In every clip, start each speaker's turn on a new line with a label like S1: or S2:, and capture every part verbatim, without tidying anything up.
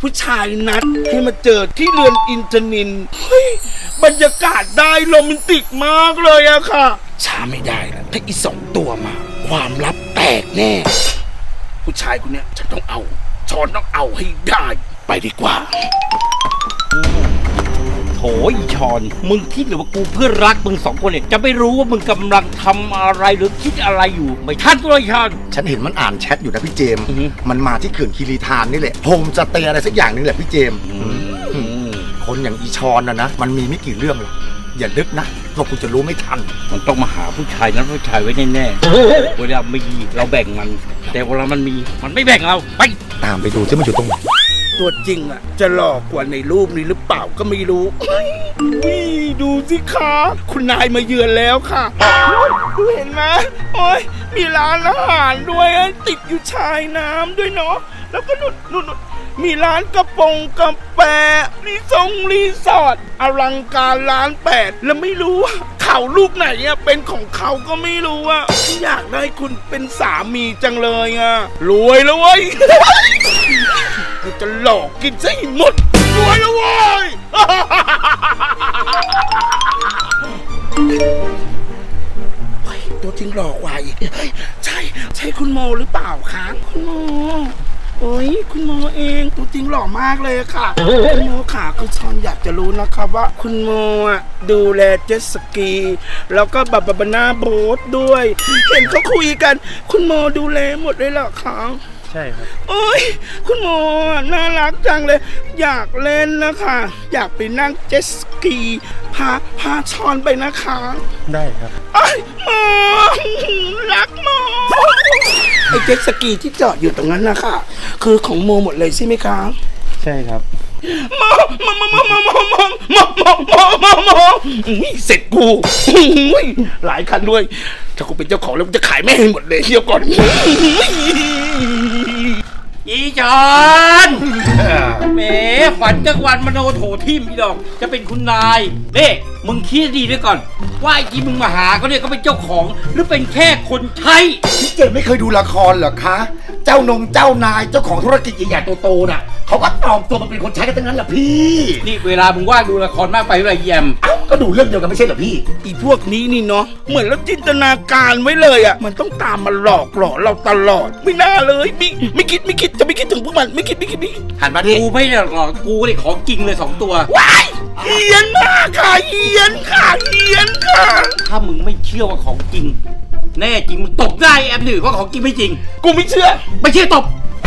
S1: ผู้ชายนัดให้มาเจอที่เรือนอินทนินเฮ้ยบรรยากาศได้โรแมนติกมากเลยอะค่ะช้าไม่ได้แล้วถ้าอีสองตัวมาความลับแตกแน่ผู้ชายคนเนี้ยฉันต้องเอาช้อนต้องเอาให้ได้ไปดีกว่า
S2: โถอีชอนมึงคิดหรือว่ากูเพื่อนรักมึงสองคนเนี่ยจะไม่รู้ว่ามึงกำลังทำอะไรหรือคิดอะไรอยู่ไม่ทันตัวอีชอน
S3: ฉันเห็นมันอ่านแชทอยู่นะพี่เจมส์
S2: อือฮึ
S3: มันมาที่เขื่อนคีรีธานนี่แหละโฮมจะเตะอะไรสักอย่างนึงแหละพี่เจมส์คนอย่างอีชอนนะนะมันมีไม่กี่เรื่องหรอกอย่านึกนะว่ากูจะรู้ไม่ทัน
S2: มันต้องมาหาผู้ชายนั้นผู้ชายไว้แน่ๆเวลามีเราแบ่งมันแต่เวลามันมีมันไม่แบ่งเราไป
S3: ตามไปดูที่มันอยู่ตรงไหน
S1: ตัวจริงอะจะหลอกกว่าในรูปนี้หรือเปล่าก็ไม่รู้นี่ดูสิคะคุณนายมาเยือนแล้วค่ะดูเห็นไหมโอ้ยมีร้านอาหารด้วยติดอยู่ชายน้ำด้วยเนาะแล้วก็นู่นนู่นมีร้านกระปงกาแฟรีสอร์ทรีสอร์ทอลังการร้านแปดแล้วไม่รู้ว่าเขาลูกไหนอะเป็นของเขาก็ไม่รู้อะอยากได้คุณเป็นสามีจังเลยอะรวยแล้วเว้ยกูจะหลอกกินซะให้หมดรวยแล้วเว้ยตัวจริงหลอกกว่าอีกใช่ใช่คุณโมหรือเปล่าคะคุณโมโอ้ยคุณโมเองตัวจริงหล่อมากเลยค่ะคุณโมค่ะคุณชอนอยากจะรู้นะครับว่าคุณโมอ่ะดูแลเจ็ตสกีแล้วก็บับบานาโบ๊ทด้วยเห็นเขาคุยกันคุณโมดูแลหมดเลยเหรอคะ
S2: ใช่ครับ
S1: โอ้ยคุณโมน่ารักจังเลยอยากเล่นนะคะอยากไปนั่งเจ็ตสกีพาพาชอนไปนะคะ
S2: ได้ครับ
S1: ไอ้โมรักโมไอ้เจ็ตสกีที่จอดอยู่ตรงนั้นนะคะคือของโมหมดเลยใช่ไหมคะ
S2: ใช่ครับ
S1: โมโมโมโมโมโมโมโมโมโมโมโมเสร็จกูหลายคันด้วยถ้ากูเป็นเจ้าของแล้วกูจะขายแม่ให้หมดเลยเที่ยวก่อน
S2: อีจอนแหมฝันกลางวันมโนโถทิมอีดอกจะเป็นคุณนายเน่มึงคิดดีด้วยก่อนว่าไอ้ที่มึงมาหาเขาเนี่ยเขาเป็นเจ้าของหรือเป็นแค่คนใช้
S3: พี่เจมไม่เคยดูละครเหรอคะเจ้านงเจ้านายเจ้าของธุรกิจใหญ่ๆโตๆน่ะเขาก็ตอมตัวมาเป็นคนใช้กันทั้งนั้นแหละพี่
S2: นี่เวลามึงว่างดูละครมากไปเวลาแยม
S3: เอ้าก็ดูเรื่องเดียวกันไม่ใช่เหรอพี่
S1: อีพวกนี้นี่เนาะเหมือนเราจินตนาการไว้เลยอ่ะมันต้องตามมาหลอกหลอกเราตลอดไม่น่าเลยไม่ไม่คิดไม่คิดจะไม่คิดถึงพวกมันไม่คิดไม่คิดไม่
S3: หันมาดิ
S2: กูไม่ได้หลอกกูนี่ของจริงเลยสองตัว
S1: ว้ายเฮียนมากค่ะเฮียนค่ะเฮียนค่ะ
S2: ถ้ามึงไม่เชื่อว่าของจริงแน่จริงมึงตบได้แอมหนึ่งว่าของจริงไม่จริง
S1: กูไม่เชื่อ
S2: ไม่เชื่อตบ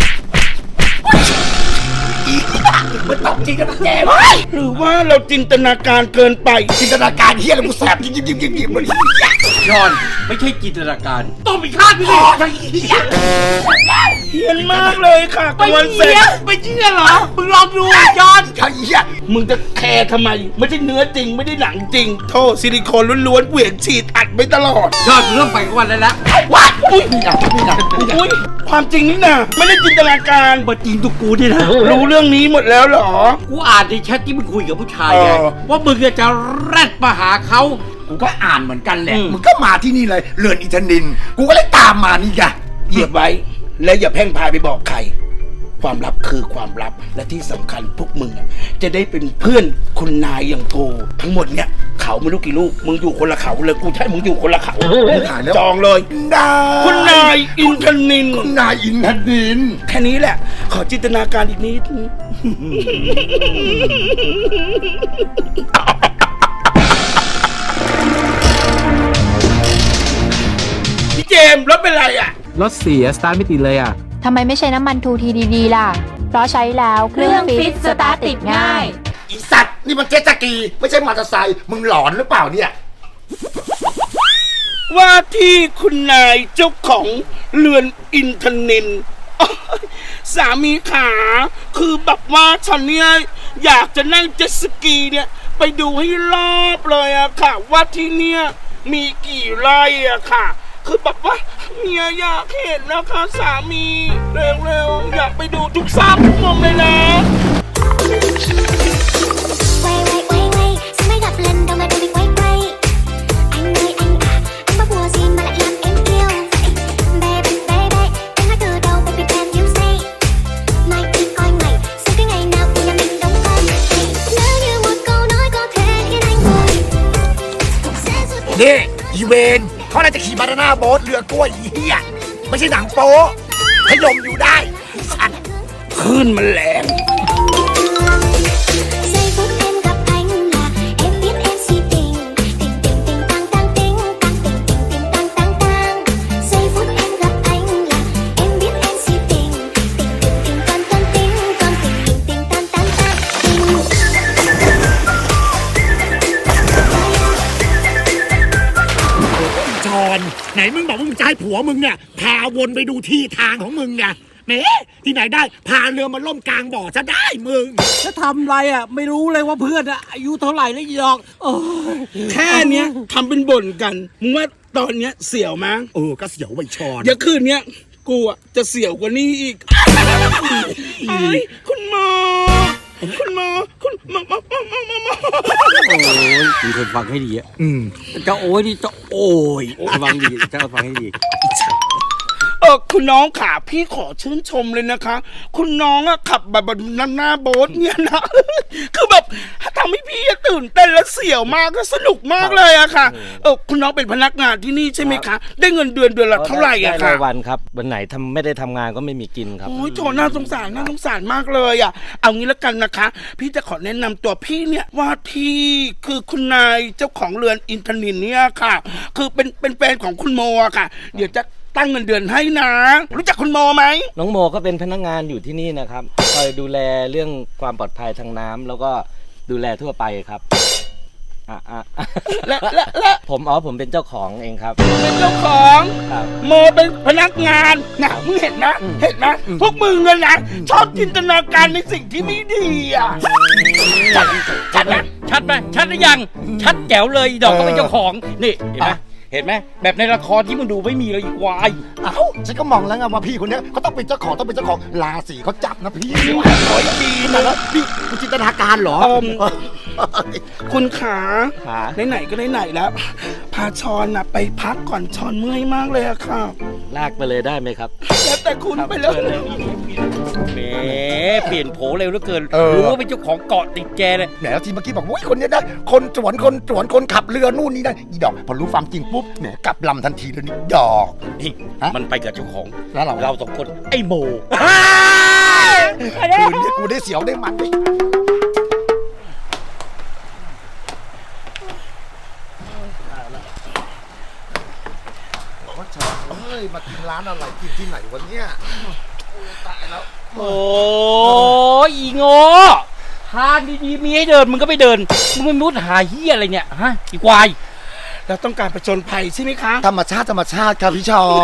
S3: มันตบจริงกันแก
S1: หรือว่าเราจินตนาการเกินไป
S3: จินตนาการเฮี้ยแล้วกูแสบยิ้มยิ้มยิ้มยิ้มยิ้มมัน
S2: ยอนไม่ใช่จินตนาการต้องมีค่าพี่ดิ
S1: เฮียนมากเลยค่ะ
S2: ไม่เชื่อไม่เชื่อเหรอมึงลองดูยอน
S3: ไอ้เหี้ย
S1: มึงจะแคร์ทำไมไม่ใช่เนื้อจริงไม่ได้หนังจริงโทษซิลิโคนล้วนๆเหวี่ยงฉีดอัดไปตลอด
S2: ยอดเรื่องไปวันแล้วละ
S1: ว้าอุ้ยนี่นะนี่นะอุ้ยความจริงนี่นะไม่ได้จินตนาการ
S2: มาจริงตัวกูนี่นะ
S1: รู้เรื่องนี้หมดแล้วเหรอ
S2: กูอ่านในแชทที่มึงคุยกับผู้ชายไงว่ามึงจะแรดมาหาเขา
S3: กูก็อ่านเหมือนกันแหละมึงก็มาที่นี่เลยเรือนอินทนินกูก็เลยตามมานี่ไง
S1: เหยียบไว้และอย่าแพร่งพายไปบอกใครความลับคือความลับและที่สำคัญพวกมึงจะได้เป็นเพื่อนคุณนายอย่างกูทั้งหมดเนี้ยเขาไม่รู้กี่ลูกมึงอยู่คนละเขาเลยกูใช่มึงอยู่คนละเขาจองเลยคุณนายอินทนิน
S3: คุณนายอินทนิน
S1: แค่นี้แหละขอจินตนาการอีกนิดพี่เจมส์รถเป็นไรอ่ะ
S4: รถเสียสตาร์ทไม่ติดเลยอ่ะ
S5: ทำไมไม่ใช้น้ำมันทูทีดีๆล่ะเพราะใช้แล้วเครื่องฟิตสตาร์ทติดง่าย
S3: อีสัตว์นี่มันเจ็ตสกีไม่ใช่มอเตอร์ไซค์มึงหลอนหรือเปล่าเนี่ย
S1: ว่าที่คุณนายเจ้าของเรือนอินทนินสามีขาคือแบบว่าฉันเนี่ยอยากจะนั่งเจ็ตสกีเนี่ยไปดูให้รอบเลยอะค่ะว่าที่เนี่ยมีกี่ไร่อะค่ะคือแบบว่าเมียอยากเห็นนะคะสามีเร็วๆอยากไปดูทุกซากทุกมุมเลยนะ
S3: นี่อีเวนเขาน่าจะขี่บานาน่าโบ๊ทเรือกล้วยอีเหี้ยไม่ใช่หนังโป๊ขยมอยู่ได้สัตว์
S1: ขึ้นมันแรง
S6: Giây phút em gặp anh là em biết em si tình tình tình tình tăng tăng tình tăng tình tình tình tăng tăng tăng. Giây phút em gặp anh là em biết em si tình tình tình tình con con tình con tình tình tình tăng tăng tăng tình.
S3: จอนไหนมึงบอกว่ามึงจะให้ผัวมึงเนี่ยพาวนไปดูที่ทางของมึงไงแหมที่ไหนได้พาเรือมาล่มกลางบ่อจะได้มึง
S2: จะทำไรอ่ะไม่รู้เลยว่าเพื่อนอ่ะอายุเท่าไหร่แล้วอีดอกโอ้ย
S1: แค่เนี้ยทำเป็นบ่นกัน มึงว่าตอนเนี้ยเสี่ยวมั้ง
S3: เออก็เสียวไวชอน
S1: เดี๋ยวคืนเนี้ยกูอะจะเสี่ยวกว่านี้อีกไอ้ยคุณหมอ คุณหมอ คุณหมอหมอหมอหมอหมอหมอ
S2: โอ้ยคุณคนฟังให้ดีอ่ะ
S3: อืม
S2: จะโอ้ยนี่จะโอ้ยฟังดีจะฟังให้ดี
S1: เออคุณน้องขาพี่ขอชื่นชมเลยนะคะ คุณน้องอะขับแบบแบบหน้าหน้าโบ๊ทเนี่ยนะ คือแบบทำให้พี่อะตื่นเต้นและเสี่ยวมากก็สนุกมากเลยอะค่ะเออคุณน้องเป็นพนักงานที่นี่ใช่ไหมคะ ได้เงินเดือนเดือนละเท่าไหร่อะ
S7: ได้
S1: คะ
S7: รายวันครับ วันไหนทำไม่ได้ทำงานก็ไม่มีกินครับ
S1: โอ้ยโถน่าสงสารน่าสงสารมากเลยอะเอางี้แล้วกันนะคะ พี่จะขอแนะนำตัวพี่เนี่ยว่าที่คือคุณนายเจ้าของเรือนอินทนินเนี่ยค่ะ คือเป็นเป็นแฟนของคุณโมอะค่ะ เดี๋ยวจะตั้งเงินเดือนให้นะ รู้จักคุณโมไหม
S7: น้องโมก็เป็นพนักงานอยู่ที่นี่นะครับคอยดูแลเรื่องความปลอดภัยทางน้ำแล้วก็ดูแลทั่วไปครับอ่ะอ่ะอ่ะ
S1: และและและ
S7: ผมอ๋อผมเป็นเจ้าของเองครับ
S1: เป็นเจ้าของ
S7: ครับ
S1: โมเป็นพนักงานนะมึงเห็นนะเห็นนะพวกมึงอะนะชอบจินตนาการในสิ่งที่ไม่ดีอ่ะ
S2: ชัดชัดไหมชัดไหมชัดหรือยัง ชัดแจ๋วเลยอีดอกก็เป็นเจ้าของนี่เห็นไหมเห็นไหมแบบในละครที่มึงดูไม่มีเลยอีควาย
S3: เอ้าฉันก็มองแล้วไงว่าพี่คนเนี้ยเขาต้องเป็นเจ้าของต้องเป็นเจ้าของราศีเขาจับนะพี่ขออีกทีนะแล้วพี่คุณจินตนาการเหรอ
S1: เอิ่ม
S3: เออ
S1: คุณขา
S7: ขา
S1: ไหนๆก็ไหนๆแล้ว พาชอนนะไปพักก่อนชอนเมื่อยมากเลยอะค่ะ
S7: ลากไปเลยได้ไหมครับ
S1: แล้วแต่คุณไปเลย
S2: แหมเปลี่ยนโผเร็วเหลือเกิน
S3: เออ
S2: รู้ว่าเป็นเจ้าของเกาะติดแกเลย
S3: แหนทีเมื่อกี้บอกว่าคนเนี้ยได้คนสวนคนสวนคนขับเรือนู่นนี่นั่นอีดอกพอรู้ความจริงปุ๊บแหนกลับลำทันทีเลยนี่ดอก
S2: นี่
S3: ฮะ
S2: มันไปกับเจ้าของ
S3: แล้วเรา
S2: เราสองคนไอ้โม
S3: คืนนี้กูได้เสียวได้มันดิเฮ้ยมากินร้านอะไรกินที่ไหนวะเนี่ยตายแล้ว
S2: โอ้ยอีโง่ทางดีๆมีให้เดินมึงก็ไม่เดินมึงไม่มุดหาเฮียอะไรเนี่ยฮะอีควาย
S1: เราต้องการประจนภัยใช่ไหมคะ
S3: ธรรมชาติธรรมชาติครับพี่ชอน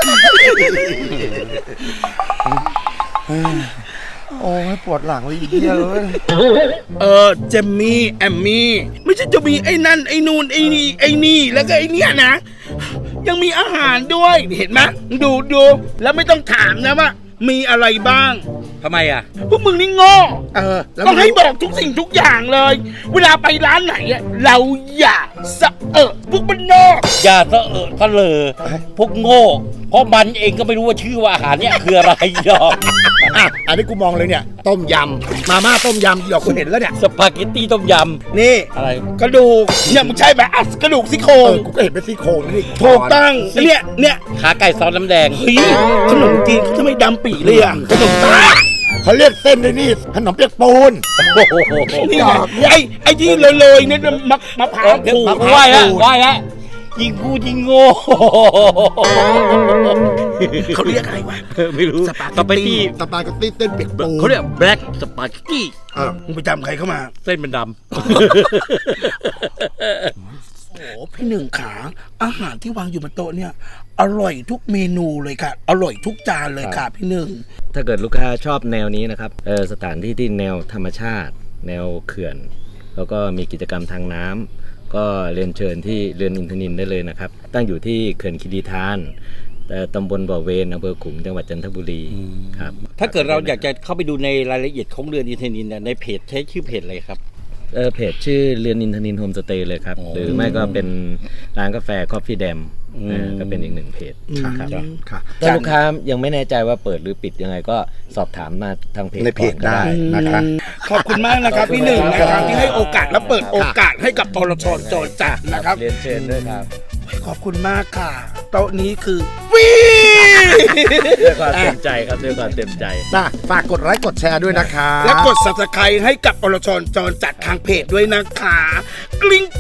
S3: โอ้ยปวดหลังเลยอีเหี้ยเลย
S1: เออเจมมี่แอมมี่ไม่ใช่จะมีไอ้นั่นไอ้นู่นไอ้นี่ไอ้นี่แล้วก็ไอ้เนี้ยนะ ยังมีอาหารด้วยเห็นไหมดูดูแล้วไม่ต้องถามนะว่ามีอะไรบ้าง
S2: ทำไมอ่ะ
S1: พวกมึงนี่โง่
S3: เออแล้ว
S1: ต้อง
S3: มึง
S1: ให้
S3: รู้
S1: บอกทุกสิ่งทุกอย่างเลย เวลาไปร้านไหนอะเราอย่าสะเอะพวกมันนอก
S2: อย่าเสอะเอะทะเลอพวกโง่ เพราะมันเองก็ไม่รู้ว่าชื่อว่าอาหารเนี่ยคืออะไรหรอก
S3: อ่ะอันนี้กูมองเลยเนี่ย ต้มยำมาม่าต้มยำอีดอกกูเห็นแล้วเนี่ย
S2: สปาเกตตี้ต้มย
S1: นี่
S2: ำอะไร
S1: กระดูกเนี่ยมึงใช่ไหมอ่ะกระดูกซี่โคร
S3: เอง อกูก็เห็นเป็นซี่โครงนี่
S1: ถูกต้องเนี่ยเนี่ย
S2: ขาไก่ซอสน้ำแดง
S1: เฮ้ยขนมจีนเขาทำไมดำปีเลยอ่ะขนมตา
S3: เขาเรียกเส้นด้วยนี่ขนมเปียกปูน
S2: โอ้โห
S1: นี่ไงไอ้ไอ้ที่เลยๆเนี่ยมะมะพร้าวขูด
S2: ไหวแล้วไหวแล้วยิงกูยิงโง่
S1: เขาเรียกอะไรวะ
S2: ไม่รู้
S1: สปา
S2: สปา
S1: เก
S2: เก
S1: ต
S2: ต
S1: ตี้
S2: ตี้
S3: สปาเกตตี้เส้นเปียกปูน
S2: เขาเรียกแบล็กสปาเกตตี้
S3: เออ
S1: มึงไปจำใครเข้ามา
S2: เส้นมันด
S1: โอ้พี่หนึ่งขาอาหารที่วางอยู่บนโต๊ะเนี่ย อร่อยทุกเมนูเลยค่ะ อร่อยทุกจานเลยค่ะพี่หนึ่ง
S7: ถ้าเกิดลูกค้าชอบแนวนี้นะครับเออสถานที่ที่แนวธรรมชาติ แนวเขื่อน แล้วก็มีกิจกรรมทางน้ำก็เรียนเชิญที่เรือนอินทนินได้เลยนะครับ ตั้งอยู่ที่เขื่อนคีรีธานแต่ตำบลบ่อเวนอำเภอขลุงจังหวัดจันทบุรีครับ
S2: ำถ้าเกิดเราอยากจะเข้าไปดูในรายละเอียดของเรือนอินเทนินเนี่ยในเพจใช้ชื่อเพจอะไรครับ
S7: เฟเออเพจชื่อเรือนอินทนินโฮมสเตย์เลยครับ หรือไม่ก็เป็นร้านกาแฟ Coffee Dam
S2: อืม
S7: เออก็เป็นอีกหนึ่งเพจ
S3: ค่ะ
S7: ครับ
S3: ค่ะ
S7: ถ้าลูกค้ายังไม่แน่ใจว่าเปิดหรือปิดยังไงก็สอบถามมาทางเพจ
S3: ในเพจ
S7: ก่อนก็
S3: ได้นะคะ
S1: ขอบคุณมากนะครับพี่หนึ่งนะครับที่ให้โอกาสและเปิดโอกาสให้กับอรชรจรจัดนะครับ
S7: เรียนเชิญด้วยครับ
S1: ขอบคุณมากค่ะโต๊ะนี้คือวี
S7: ด้วยความเต็มใจครับด้วยความเต็มใจ
S3: น่ะฝากกดไลค์กดแชร์ด้วยนะคะ
S1: และกด ซับสไครบ์ ให้กับอรชรจรจัดทางเพจด้วยนะคะ กลิ้ง